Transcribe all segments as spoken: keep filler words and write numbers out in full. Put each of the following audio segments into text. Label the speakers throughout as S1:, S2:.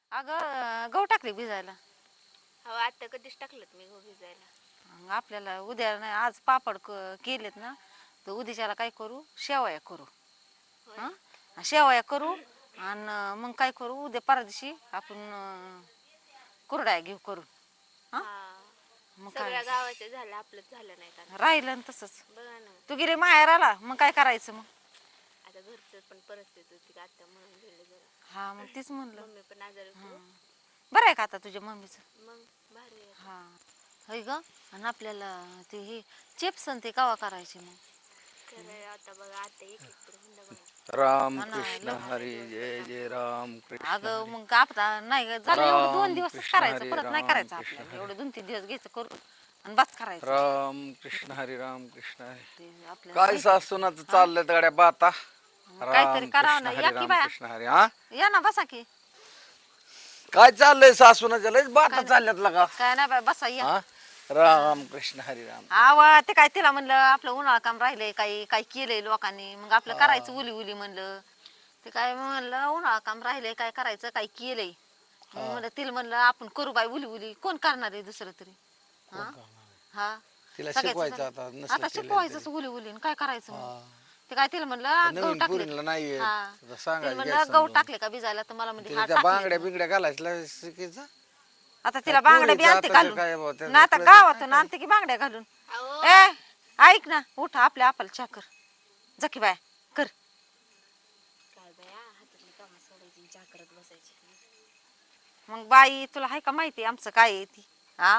S1: अगं गहू टाकले भिजायला.
S2: हो आता कधीच टाकलं मी गहू भिजायला.
S1: मग आपल्याला उद्या नाही आज पापड क- केलेत ना, तर उद्याच्याला काय करू, शेवया करू.
S2: होय.
S1: हां शेवया करू. आणि मग काय करू, उद्या परवा दिवशी आपण अं, कुरड्या घेऊ करू. हां
S2: हा
S1: मग काय
S2: सगळ्या गावाचं झालं आपलंच झालं नाही का आता.
S1: राहिलं ना तसंच.
S2: बघा ना
S1: तू गेले माहेराला, मग काय करायचं मग.
S2: आता घरचं पण परिस्थिती होती का आता म्हणून गेले जरा.
S1: हा मग तीच म्हणलं.
S2: मम्मी पण आजारी होती हो.
S1: बरं आहे का आता तुझ्या मम्मीचं.
S2: मग भारी आहे आता.
S1: हा होय ग. आणि आपल्याला ते हे चिप्स आणि ते कवा करायचे मग.
S2: खरं आता बघा आता एक एक तर हुंडा बघा.
S3: राम
S1: हा ना
S3: कृष्ण
S1: लव
S3: हरी जय जय राम कृष्ण
S1: अगं
S3: हरी
S1: मग आपला नाही ग, झालं एवढं दोन
S3: राम
S1: दिवसच
S3: कृष्ण
S1: करायचं,
S3: हरी
S1: परत नाही
S3: राम
S1: करायचं
S3: कृष्ण
S1: आपल्याला.
S3: हरी
S1: एवढं दोन तीन दिवस घ्यायचं करून आणि बस करायचं.
S3: राम कृष्ण हरी राम कृष्ण हरी.
S1: ते आपल्याला
S3: काय
S1: माहिती.
S3: सासूनाच चाललंय गड्या बाता.
S1: मग काहीतरी
S3: राम
S1: करावं
S3: कृष्ण
S1: ना,
S3: हरी
S1: या की
S3: राम
S1: बाया,
S3: कृष्ण हरी. हा
S1: या ना बसा की.
S3: काय चाललंय सासूनाच्या लयच बाता
S1: काय
S3: चालल्यात लगा.
S1: काय नाही बाय, बसा या.
S3: हा राम कृष्ण हरी राम
S1: आव ते काय तिला म्हणलं आपलं उन्हाळा काम राहिलंय, काही काही केलंय लोकांनी, मग आपलं करायचं उली उली म्हणलं. ते काय म्हणलं उन्हाळा काम राहिलंय, काय करायचं, काही केलंय. मग म्हणलं तिला म्हणलं आपण करू बाय उली उली, कोण करणार आहे दुसरं तरी. हा हा
S3: तिला
S1: सगळ्याच
S3: शिकवायचं आता नसलं
S1: आता
S3: केलेलं
S1: शिकवायचंच
S3: तरी.
S1: उली उली, काय करायचं मग.
S3: हा.
S1: ते काय तिला म्हणलं गहू
S3: नवीन
S1: टाकले.
S3: पुरीला नाही येत.
S1: हा
S3: आता
S1: तिला
S3: सांगायचं
S1: म्हणलं
S3: घ्यायचं
S1: गहू
S3: समजून.
S1: टाकले का भिजायला, तर मला म्हणजे
S3: तिला
S1: हा
S3: त्या
S1: टाकले.
S3: बांगड्या बिंगड्या घालायला शिकायचं.
S1: आता
S3: काय
S1: तिला बांगड्या बी
S3: पोरीचं
S1: आणते
S3: आताचं
S1: घालून
S3: काय बुवा, त्याचं
S1: ना, आता
S3: कळतच नाही
S1: गावातून
S3: काय.
S1: आणते की बांगड्या घालून.
S2: अहो
S1: ए ऐक ना, उठ आपल्या आपल चहा कर, जकी बाय कर.
S2: काय बाया हातातली कामं सोडायची चहा करत बसायची.
S1: मग बाई तुला हाय का माहिती आमचं काय आहे ती. हा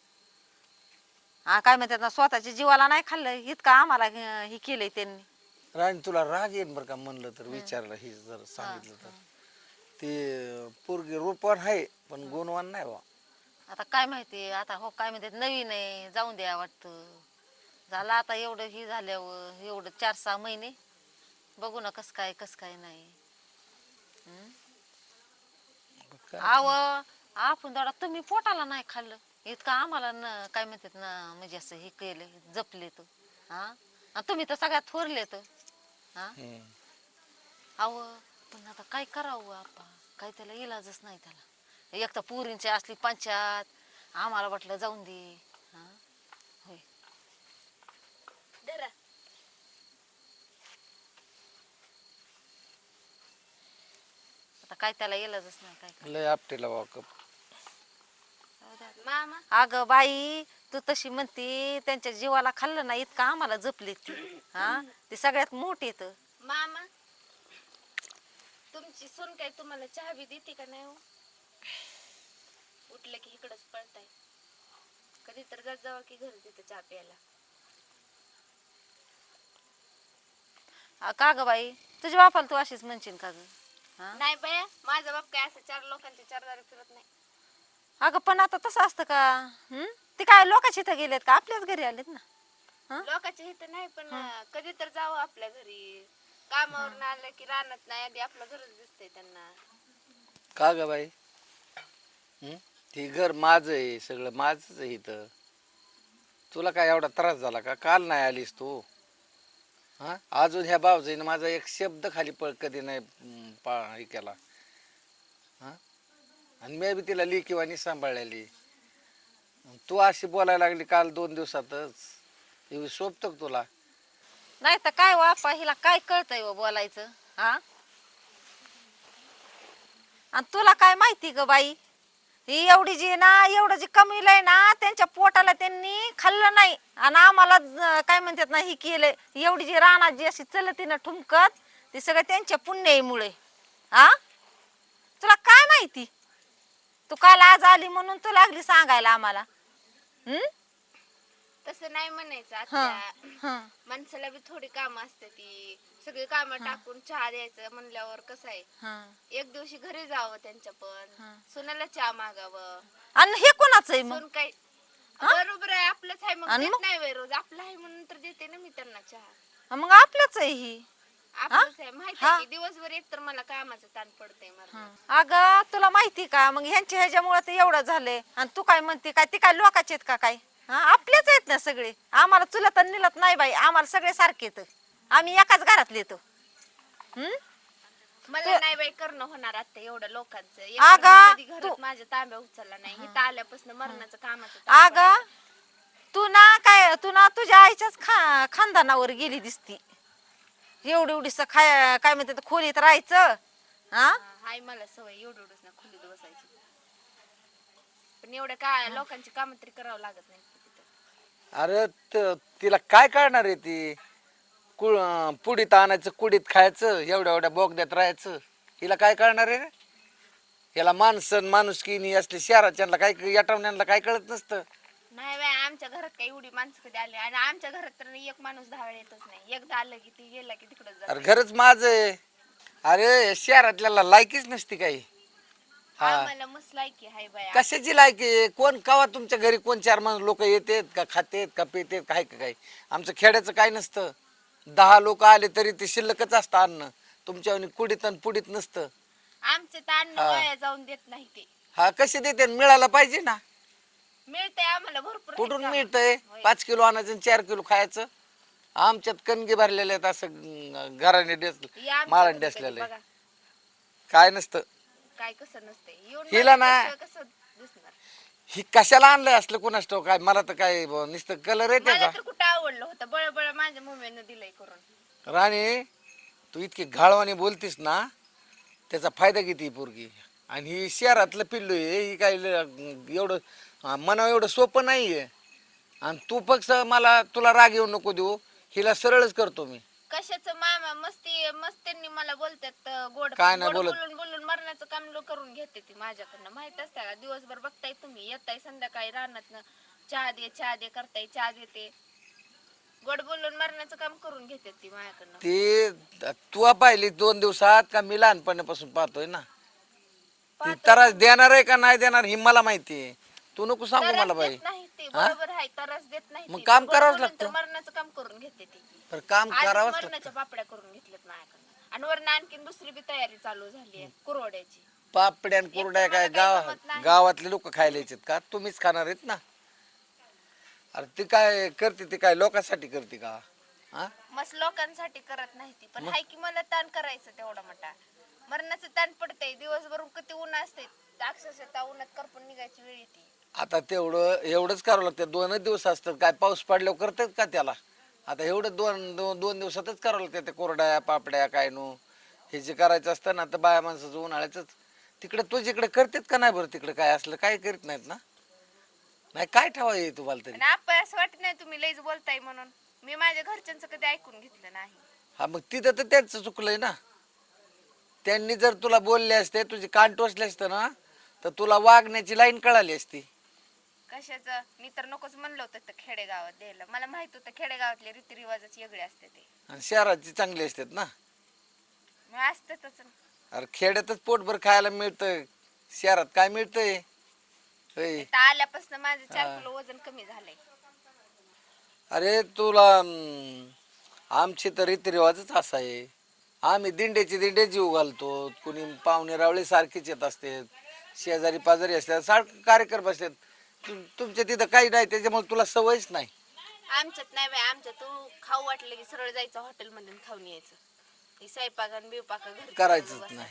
S1: हा काय म्हणतात ना, स्वतःच्या जीवाला नाही खाल्लं इतकं आम्हाला अं, हे केलंय त्यांनी.
S3: राणी तुला राग येईन बरं का म्हणलं तर, विचारलं ही जर
S1: हा,
S3: सांगितलं तर.
S1: हा.
S3: ते पोरगी रूपवान आहे पण गुणवान नाही बा.
S1: आता काय माहिती, आता हो काय म्हणतात नवीन आहे, जाऊन द्या वाटतं. झालं आता एवढं हे झाल्यावर एवढं चार सहा महिने बघू ना कसं काय कसं काय नाही. हम्म?
S3: काय
S1: आव आपण दादा तुम्ही पोटाला नाही खाल्लं इतकं आम्हाला न काय म्हणतात ना, म्हणजे असं हे केलं जपले तर. हा आणि तुम्ही तर सगळ्यात थोरले तर. हा
S3: हम्म.
S1: अव पण आता काय करावं आपा, काय त्याला इलाजच नाही त्याला. एक तर पुरींची असली पंचायत, आम्हाला वाटलं जाऊन दे. हा होय
S2: धरा.
S1: आता काय त्याला इलाजच नाही काय
S3: लय आपटेला बा कप.
S1: करावं.
S2: मामा
S1: अगं बाई तू तशी म्हणती, त्यांच्या जीवाला खाल्लं ना इतकं आम्हाला जपले ती. हा ते सगळ्यात मोठे तर.
S2: मामा तुमची सून काय तुम्हाला चहा बी देते का नाही हो? उठलं की इकडंच पळताय. कधी तर जात जावा की घरी तिथं चहा प्यायला.
S1: आ, का ग बाई तुझ्या बापाला तू अशीच म्हणशील का ग. हा
S2: नाही बाया माझा बाप काय असं चार लोकांच्या चार दारी फिरत नाही.
S1: अगं पण आता तसं असतं का. हम्म ते काय लोकांच्या इथं गेलेत का आपल्याच घरी आलेत ना. हा
S2: लोकांच्या इथं नाही पण कधी तर जावं आपल्या घरी. कामावरून आलं की रानात नाही आधी आपलं घरच दिसतंय त्यांना.
S3: का ग बाई. हम्म? ते घर माझं आहे, सगळं माझंच आहे इथं. तुला काय एवढा त्रास झाला का, काल नाही आलीस तू. हा अजून ह्या भावजाईनं माझा एक शब्द खाली पळ कधी नाही हम्म, पा हे केला. हा आणि मी बी तिला लेकीवानी सांभाळलेली. तू अशी बोलायला लागली काल दोन दिवसातच, हे शोभतं का तुला.
S1: नाही तर काय बापा हिला काय कळतंय व बोलायचं. हा आणि तुला काय माहिती ग बाई, ही एवढी जी ना एवढं जी कमीलंय ना, त्यांच्या पोटाला त्यांनी खाल्लं नाही आणि आम्हाला ज- काय म्हणतात ना ही केलंय. एवढी जी रानात जी अशी चलती ना ठुमकत, ते सगळं त्यांच्या पुण्याईमुळे. हा तुला काय माहिती, तू काल आज आली म्हणून तू लागली सांगायला आम्हाला. हम्म
S2: तसं नाही म्हणायचं
S1: हा
S2: आत्या.
S1: हा
S2: माणसाला बी थोडी कामं असते ती. सगळी कामं टाकून चहा द्यायचं म्हणल्यावर कसं आहे,
S1: हा
S2: एक दिवशी घरी जावं त्यांच्या पण.
S1: हा.
S2: सुनाला चहा मागावं.
S1: आणि हे कोणाचं आहे मग.
S2: सून काय बरोबर आहे आपलंच आहे मग
S1: आणि
S2: देत
S1: मग
S2: नाही वय रोज. आपलं आहे म्हणून तर देते ना मी त्यांना चहा.
S1: मग आपलंच आहे ही.
S2: आपलंच आहे माहिती
S1: हा.
S2: आहे की दिवसभर एक तर मला कामाचं ताण पडतंय मला.
S1: अगं तुला माहिती का, मग ह्यांच्या ह्याच्यामुळे ते एवढं झालंय. आणि तू काय म्हणते काय, ती काय लोकांचे आहेत का काय. हा आपलेच आहेत ना सगळे. आम्हाला चुलत आणि निलत नाही बाई, आम्हाला सगळे सारखे तर आम्ही एकाच घरातले तो. हम्म
S2: मला नाही बाई करणं होणार आता एवढं लोकांचं. एक
S1: अगं,
S2: तर मी कधी घरात
S1: तू-
S2: माझ्या तांब्या उचलला नाही. इथं आल्यापासून मरणाचं कामाचं ताण पडायला.
S1: अग तू ना काय तू ना तुझ्या आईच्याच खा खानदानावर गेली दिसती. एवढी एवढीस खाय काय म्हणते ते खोलीत राहायचं हा
S2: हा, हाय मला सवय एवढं एवढंच ना खोलीत बसायची. पण एवढं काय लोकांची कामं तरी करावं लागत नाही तिथं.
S3: अरे त- तिला काय कळणार आहे ती कुळ पुडीत आणायचं कुडीत खायचं एवढ्या एवढ्या बोगद्यात राहायचं. हिला काय कळणार आहे रे? याला माणसं माणुसकी असली शहराच्या काय याटवण्यांना काय कळत नसतं.
S2: नाही बाई आमच्या घरात काही एवढी माणसं कधी आली आणि आमच्या घरात तर एक माणूस दहा वेळा येतच नाही. एकदा आलं की ती गेला की तिकडे
S3: अरे
S2: जात.
S3: घरच माझं आहे. अरे शहरातल्याला लायकीच नसती काही. हा
S2: आम्हाला मस्त लायकी हाय बाई.
S3: कशाची लायकी? कोण कवा तुमच्या घरी कोण चार माणूस लोक येतात का खातेत का पितेत काय का काय? आमचं खेड्याचं काय नसतं. दहा लोक आले तरी ते शिल्लकच असतं अन्न. तुमच्या कुडीत आणि पुडीत नसतं.
S2: आमचे तर अन्न वाया जाऊन देत नाही ते.
S3: हा कसे देते? मिळायला पाहिजे ना.
S2: मिळतंय आम्हाला भरपूर आहेत
S3: कुठून
S2: का?
S3: मिळतंय?
S2: होय.
S3: पाच किलो आणायचं आणि चार किलो खायचं. आमच्यात कणगी भरलेले आहेत असं अं, घराने डेस
S2: या आमच्या
S3: माळाने
S2: घरी कधी
S3: डेसलेलं आहे.
S2: बघा.
S3: काय नसतं.
S2: काय कसं नसतंय. येऊन
S3: हिला ना-
S2: बघितल्याशिवाय कसं दिसणार.
S3: ही कशाला आणलंय असलं कुणास ठाऊक काय? मला तर काय ब- नुसतं कलर आहे
S2: मला
S3: त्याचा.
S2: तर कुठं आवडलं होतं. बळबळ माझ्या मम्मीनं दिलंय करून.
S3: राणी तू इतकी घाळवाने बोलतीस ना त्याचा फायदा किती पोरगी. आणि ही शहरातलं पिल्लू आहे. ही काय ल- एवढं अं, मनावर एवढं सोपं नाहीये. आणि तू फक्त मला तुला राग येऊ नको देऊ. हिला सरळच करतो मी.
S2: कशाचं मामा मस्ती मस्त्यांनी मला बोलतात अं, गोड
S3: काय नाही
S2: गोड
S3: बोलत.
S2: बोलून बोलून मरणाचं काम लो करून घेते ती माझ्याकडनं. माहित असतं का? दिवसभर बघताय तुम्ही येताय संध्याकाळी रानात चहा दे चहा दे करताय चहा देते. गोड बोलून मरणाचं काम करून घेते ती माझ्याकडनं.
S3: ते तू पाहिली दोन दिवसात का मी लहानपणापासून पाहतोय ना. ती
S2: पाहतोय
S3: त्रास देणार आहे का नाही देणार ही मला माहिती आहे. तू नको सांगू
S2: त्रास
S3: मला बाई.
S2: देत नाही ती. बरोबर आहे त्रास देत नाही
S3: मग
S2: ती.
S3: काम
S2: गोड
S3: करावंच
S2: बोलून तर
S3: लागतं.
S2: मरणाचं काम करून घेते ती.
S3: तर काम
S2: आधीच
S3: करावंच लागतं.
S2: मरणाच्या पापड्या करून घेतल्यात माझ्याकडनं. आणि वरनं आणखीन दुसरी बी तयारी चालू झाली आहे कुरवड्याची.
S3: पापड्या आणि कुरड्या
S2: एक तर
S3: काय
S2: मला काही
S3: गाव
S2: जमत नाही.
S3: गावातले लोक खायला यायचेत का? तुम्हीच खाणार आहेत ना. अरे ती काय करते? ती काय लोकांसाठी करते का? हा
S2: मस्त लोकांसाठी करत नाही ती. पण हाय की मला ताण करायचं तेवढा मोठा. मरणाचं ताण पडतंय. दिवसभर किती ऊन असते. अक्षरशः त्या उन्हात करपून निघायची वेळ येते.
S3: आता तेवढं एवढंच करावं लागतं. दोनच दिवस असतात काय? पाऊस पडल्यावर करतात का त्याला? आता एवढं दोन दोन दोन दिवसातच करावं लागतं. ते कोरड्या पापड्या काय नो हे जे करायचं असतं ना तर बाया माणसाचं उन्हाळ्याच तिकडे तुझ्याकडे करतात का नाही बरं? तिकडे काय असलं काय करीत नाहीत ना. नाही काय ठेवाय तुम्हाला तरी.
S2: आणि आपण असं वाटत नाही तुम्ही लईच बोलताय म्हणून. मी माझ्या घरच्यांचं कधी ऐकून घेतलं नाही.
S3: हा मग तिथं तर त्यांचं चुकलंय ना. त्यांनी जर तुला बोलले असते तुझे कान टोचले असते ना तर तुला वागण्याची लाईन कळाली असती.
S2: कशाचं? मी तर नकोच म्हणलं होतं तर खेडेगावात द्यायला. मला माहित होतं खेडेगावातले रीतिरिवाजच वेगळे असते ते.
S3: आणि शहराची चांगली असतात ना.
S2: मग असतातच.
S3: अरे खेड्यातच पोटभर खायला मिळतंय. शहरात काय मिळतंय? होय.
S2: इथं आल्यापासून माझं चार किलो वजन कमी झालंय.
S3: अरे तुला अं, आमची तर रीतिरिवाजच असा आहे. आम्ही दिंड्याची दिंडे जीव घालतो. कुणी पाहुणे रावळे सारखीच येत असते. शेजारी पाजारी असतात सारखं कार्यक्रम असतात. तु- तुमच्या तिथं काही नाही त्याच्यामुळे तुला सवयच नाही.
S2: आमच्यात नाही बाई. आमच्यात तू खाऊ वाटलं की सरळ जायचं हॉटेल मधून खाऊन यायचं. ही स्वयंपाक बिवपाक घरी
S3: करायचंच नाही.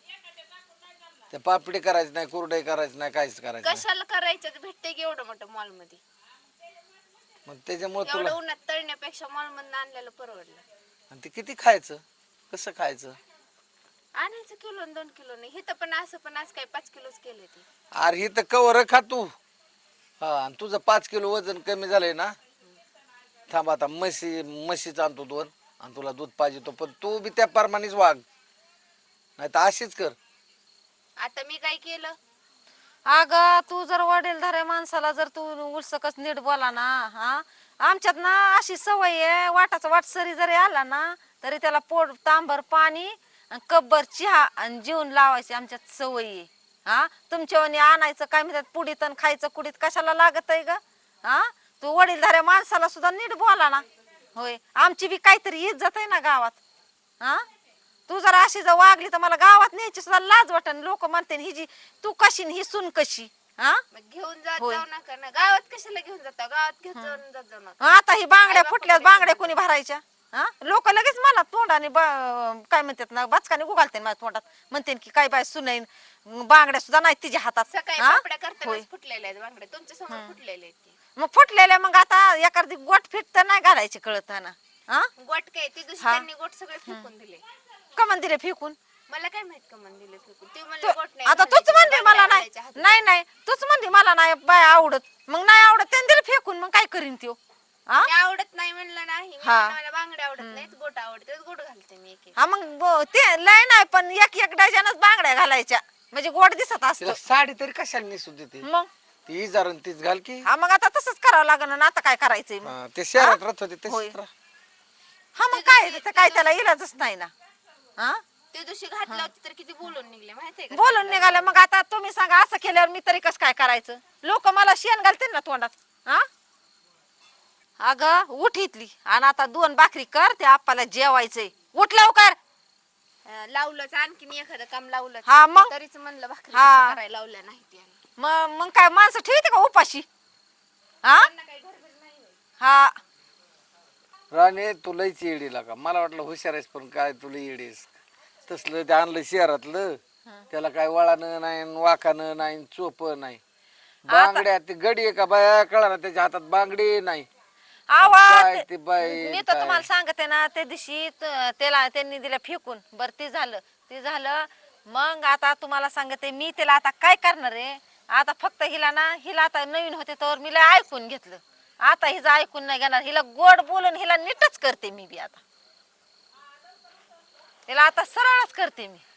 S3: ते पापडी करायचं नाही कुरडे करायचं नाही काहीच करायचं नाही.
S2: कशाला करायचं? भेटते की एवढं मोठं मॉल मध्ये.
S3: मग त्याच्यामुळे तुला
S2: एवढं उन्हात तळण्यापेक्षा मॉल मधून आणलेलं परवडलं.
S3: आणि ते किती खायचं? कसं खायचं?
S2: आणायचं किलो दोन किलो नाही. इथं पण असं पण असं काय पाच किलोच केले ते.
S3: अरे ही तर कवर खा तू. हा आणि तुझं पाच किलो वजन कमी झालंय ना. थांब आता म्हशी म्हशीच आणतो दोन आणि तुला दूध पाहिजे तो पण तू बी त्या प्रमाणेच वाग. नाही तर अशीच कर.
S2: आता मी काय केलं?
S1: अग तू जर वडीलधाऱ्या माणसाला जर तू उलसकच नीट बोला ना हा आमच्यात ना अशी सवय आहे वाटाचा वाट सरी जरी आला ना तरी त्याला पोट तांबर पाणी आणि कब्बर चहा आणि जेवण लावायची आमच्यात सवय आहे. हा तुमच्यावानी आणायचं काय म्हणतात पुडीत आणि खायचं कुडीत कशाला लागत आहे ग? हा तू वडीलधाऱ्या माणसाला सुद्धा नीट बोला ना. होय आमची बी काहीतरी इज्जत आहे ना गावात. हा तू जर अशी जर वागली तर मला गावात न्यायची सुद्धा लाज वाटन. लोक म्हणते ही जी तू कशी ही सून कशी. हा
S2: मग घेऊन जात
S1: होय.
S2: जाऊ नका ना. गावात कशाला घेऊन जाता? गावात घेऊन जाऊन जात जाऊ नका.
S1: आता ही बांगड्या
S2: आई
S1: फुटल्या
S2: बापाकडे
S1: बांगड्या कोणी भरायच्या? हा लोक लगेच मला तोंडाने ब- काय म्हणतात ना बचकाने गुगालते माझ्या तोंडात म्हणते की काय बाय सुनाईन बांगड्या सुद्धा नाही तिच्या हातात
S2: सकाळी
S1: हा?
S2: पापड्या
S1: होय.
S2: करतानाच फुटलेल्या आहेत बांगड्या तुमच्या समोर फुटलेले आहेत ते.
S1: मग फुटलेल्या मग आता एखादी गोट फिट तर नाही घालायची कळत ना हा
S2: गोट काय ती दिवशी
S1: हा.
S2: त्यांनी गोट सगळे फेकून दिले.
S1: कमन दिले फेकून
S2: मला काय माहित का मन दिले फेकून ते म्हणले
S1: तू-
S2: गोट नाही
S1: आता
S2: घालायचे,
S1: तूच म्हणली
S2: बांगड्या
S1: मला नाही
S2: घालायच्या हातात.
S1: नाही नाही तूच म्हणली मला नाही बाय आवडत मग नाही आवडत त्याने दिले फेकून मग काय करीन त्यो हा
S2: मी आवडत नाही म्हणलं नाही मी
S1: हा.
S2: म्हणलं मला बांगड्या आवडत नाहीत गोट आवडतात गोट घालते मी एक एक.
S1: हा मग ब- ते लय नाही पण एक एक डझनच बांगड्या घालायच्या म्हणजे गोड दिसत असत
S3: तिला साडी तरी कशाला नेसू देते
S1: मग
S3: ती इजारण तीच घाल की
S1: हा मग आता तसंच करावं लागेल ना आता काय करायचंय मग
S3: हा, ते शहरात राहत होते
S1: होय.
S3: तसेच राहा.
S1: हा मग काय ते काय त्याला इलाजच नाही ना हा
S2: त्या दिवशी घातलं होती तर किती बोलून निघले माहितीये का
S1: बोलून निघालं मग आता तुम्ही सांगा असं केल्यावर मी तरी कसं काय करायचं लोक मला शेण घालतील ना तोंडात हा अगं उठ इथली आणि आता दोन भाकरी कर त्या आप्पाला जेवायचंय उठ लवकर
S2: अं, लावलंच आणखीन एखादं काम लावलं
S1: हा मग
S2: तरीच म्हणलं भाकरी
S1: हा.
S2: कशा करायला लावल्या नाहीत याला.
S1: मग मग काय माणसं ठेवते का उपाशी हा
S2: त्यांना काही गडबड नाही होय.
S1: हा
S3: राणे तुलाच येडी लागा मला वाटलं हुशार आहेस पण काय तुला येडीस तसलं ते आणलं शहरातलं त्याला काय वळानं नाही वाखानं नाही चोप नाही बांगड्या ते गडी आहे का बाया कळा ना त्याच्या हातात बांगडी नाही काय
S1: आवाज
S3: ते बाई
S1: मी तर
S3: काय.
S1: तुम्हाला सांगते ना त्या दिवशी त- त्याला त्यांनी दिलं फेकून बर ते झालं ते झालं मग आता तुम्हाला सांगते मी त्याला आता काय करणार आहे आता फक्त हिला ना हिला आता नवीन होते तर मी लय ऐकून घेतलं आता हिचं ऐकून नाही घेणार हिला गोड बोलून हिला नीटच करते मी बी आता हिला आता सरळच करते मी